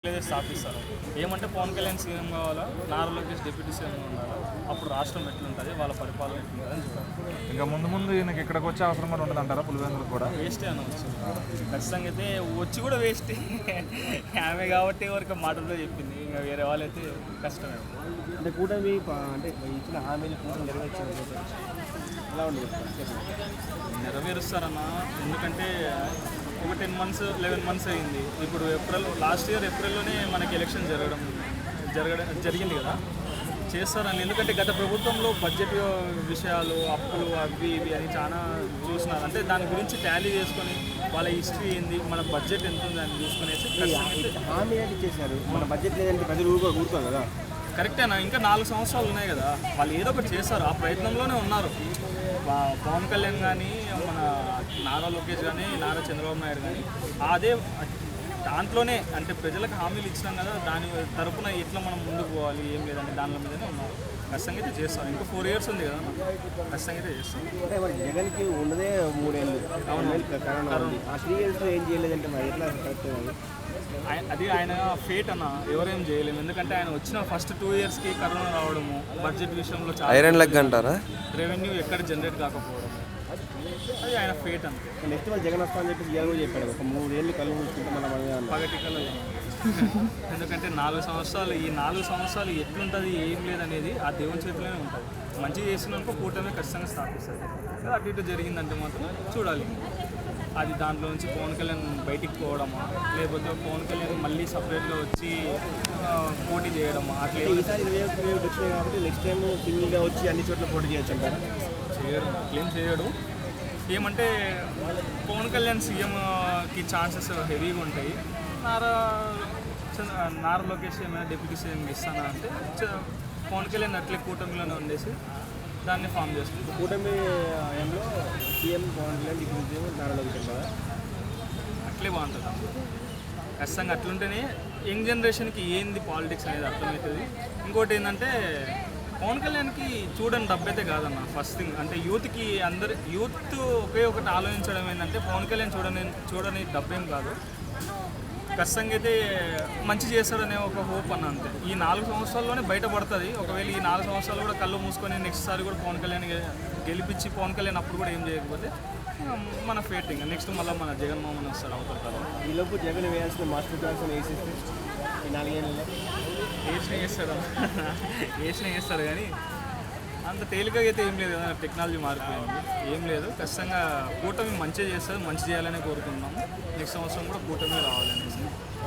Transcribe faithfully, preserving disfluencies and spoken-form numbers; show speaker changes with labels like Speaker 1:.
Speaker 1: స్థాపిస్తారు. ఏమంటే పవన్ కళ్యాణ్ సీఎం కావాలా, నారా లోకేష్ డిప్యూటీ సీఎం ఉండాలా, అప్పుడు రాష్ట్రం ఎట్లుంటుంది, వాళ్ళ పరిపాలన ఎట్లుంటుంది అని చెప్పారు.
Speaker 2: ఇంకా ముందు ముందు ఈయనకి ఇక్కడికి వచ్చే అవసరం కూడా ఉండదు అంటారా? పులివెందులకు కూడా
Speaker 1: వేస్టే అనవచ్చు. ఖచ్చితంగా అయితే వచ్చి కూడా వేస్టే. ఆమె కాబట్టి ఎవరికి మాటలతో చెప్పింది, ఇంకా వేరే వాళ్ళైతే కష్టమే.
Speaker 3: అంటే కూటమి అంటే ఇచ్చిన హామీలు కూటమి నెరవేర్చారు ఎలా ఉండదు
Speaker 1: నెరవేరుస్తారన్న. ఎందుకంటే ఒక టెన్ మంత్స్ లెవెన్ మంత్స్ అయింది. ఇప్పుడు ఏప్రిల్ లాస్ట్ ఇయర్ ఏప్రిల్లోనే మనకి ఎలక్షన్ జరగడం జరగడం జరిగింది కదా, చేస్తారని. ఎందుకంటే గత ప్రభుత్వంలో బడ్జెట్ విషయాలు, అప్పులు, అవి ఇవి అని చాలా చూస్తున్నారు. అంటే దాని గురించి టాలీ చేసుకొని వాళ్ళ హిస్టరీ ఏంది, మన బడ్జెట్ ఎంత ఉంది అని చూసుకునేసి
Speaker 3: హామీ ఏంటి చేశారు. మన బడ్జెట్ లేదంటే ప్రజలు ఊరుకో ఊరుకోరు కదా.
Speaker 1: కరెక్టేనా, ఇంకా నాలుగు సంవత్సరాలు ఉన్నాయి కదా, వాళ్ళు ఏదో ఒకటి చేస్తారు, ఆ ప్రయత్నంలోనే ఉన్నారు. పవన్ కళ్యాణ్ కానీ, మన నారా లోకేష్ కానీ, నారా చంద్రబాబు నాయుడు కానీ అదే దాంట్లోనే, అంటే ప్రజలకు హామీలు ఇచ్చినాం కదా, దాని తరపున ఎట్లా మనం ముందుకు పోవాలి ఏం లేదంటే దానిలో మీదనే ఉన్నారు. ఖచ్చితంగా అయితే చేస్తాం. ఇంకా ఫోర్ ఇయర్స్ ఉంది కదా, ఖచ్చితంగా అయితే చేస్తాం.
Speaker 3: అంటే మరి జగన్కి ఉన్నదే మూడేళ్ళు, కరోనా ఆ త్రీ ఇయర్స్లో ఏం చేయలేదంటే మరి ఎట్లా కరెక్ట్?
Speaker 1: అది ఆయన ఫేట్ అన్న, ఎవరేం చేయలేము. ఎందుకంటే ఆయన వచ్చిన ఫస్ట్ టూ ఇయర్స్కి కరోనా రావడము, బడ్జెట్ విషయంలో చాలా
Speaker 4: ఐరన్ లెగ్ అంటారా,
Speaker 1: రెవెన్యూ ఎక్కడ జనరేట్ కాకపోవడం, అది ఆయన ఫేట్ అంతే.
Speaker 3: నెక్స్ట్ వాళ్ళు జగన్ వస్తా అని చెప్పి జగన్ కూడా చెప్పాడు, ఒక మూడేళ్ళు కళ్ళు మూసుకుంటే మన
Speaker 1: పగటికల్లో. ఎందుకంటే నాలుగు సంవత్సరాలు ఈ నాలుగు సంవత్సరాలు ఎట్లుంటుంది ఏం లేదనేది ఆ దేవుని చేతిలోనే ఉంటుంది. మంచిగా చేసినాక కూటమి ఖచ్చితంగా స్థాపిస్తుంది. అటు ఇటు జరిగిందంటే మాత్రం చూడాలి. అది దాంట్లో నుంచి పవన్ కళ్యాణ్ బయటికి పోవడమా, లేకపోతే పవన్ కళ్యాణ్ మళ్ళీ సపరేట్గా వచ్చి పోటీ చేయడమా, అట్లా.
Speaker 3: ఈసారి ఇరవై ఒకటి ఇరవై ఒకటి వచ్చినాయి కాబట్టి నెక్స్ట్ టైం సింగిల్గా వచ్చి అన్ని చోట్ల పోటీ చేయొచ్చు అంటారా?
Speaker 1: చేయడు, ఏం చేయడు. ఏమంటే పవన్ కళ్యాణ్ సీఎంకి ఛాన్సెస్ హెవీగా ఉంటాయి. నారా నారా లోకేష్ ఏమైనా డిప్యూటీ సీఎం ఇస్తానా అంటే పవన్ కళ్యాణ్ అట్లే కూటమిలోనే ఉండేసి దాన్ని ఫామ్ చేస్తుంది.
Speaker 3: కూటమి హయాంలో CM Pawan Kalyan deputy CM Nara Lokesh కదా,
Speaker 1: అట్లే బాగుంటుంది. ఖచ్చితంగా అట్లుంటేనే యంగ్ జనరేషన్కి ఏంది పాలిటిక్స్ అనేది అర్థమవుతుంది. ఇంకోటి ఏంటంటే పవన్ కళ్యాణ్కి చూడని డబ్బైతే కాదన్న ఫస్ట్ థింగ్. అంటే యూత్కి అందరు యూత్ ఒకే ఒకటి ఆలోచించడం ఏంటంటే పవన్ కళ్యాణ్ చూడని చూడని డబ్బేం కాదు, ఖచ్చితంగా అయితే మంచి చేస్తాడనే ఒక హోప్ అన్న అంతే. ఈ నాలుగు సంవత్సరాల్లోనే బయటపడుతుంది. ఒకవేళ ఈ నాలుగు సంవత్సరాలు కూడా కళ్ళు మూసుకొని నెక్స్ట్ సారి కూడా పవన్ కళ్యాణ్ గెలిపించి పవన్ కళ్యాణ్ అప్పుడు కూడా ఏం చేయకపోతే మన ఫేటింగ్ నెక్స్ట్ మళ్ళీ మన జగన్మోహన్ వస్తారు అవతల.
Speaker 3: ఈలోపు జగన్ వేయాల్సిన మాస్టర్ ప్లాన్స్ వేసేస్తే ఈ నాలుగేళ్ళలో
Speaker 1: వేసిన చేస్తాడు వేసిన చేస్తాడు కానీ అంత తేలికగా అయితే ఏం లేదు కదా, టెక్నాలజీ మారిపోయింది. ఏం లేదు, ఖచ్చితంగా కూటమి మంచిగా చేస్తుంది, మంచి చేయాలని కోరుకుంటున్నాము. నెక్స్ట్ సంవత్సరం కూడా కూటమి రావాలని.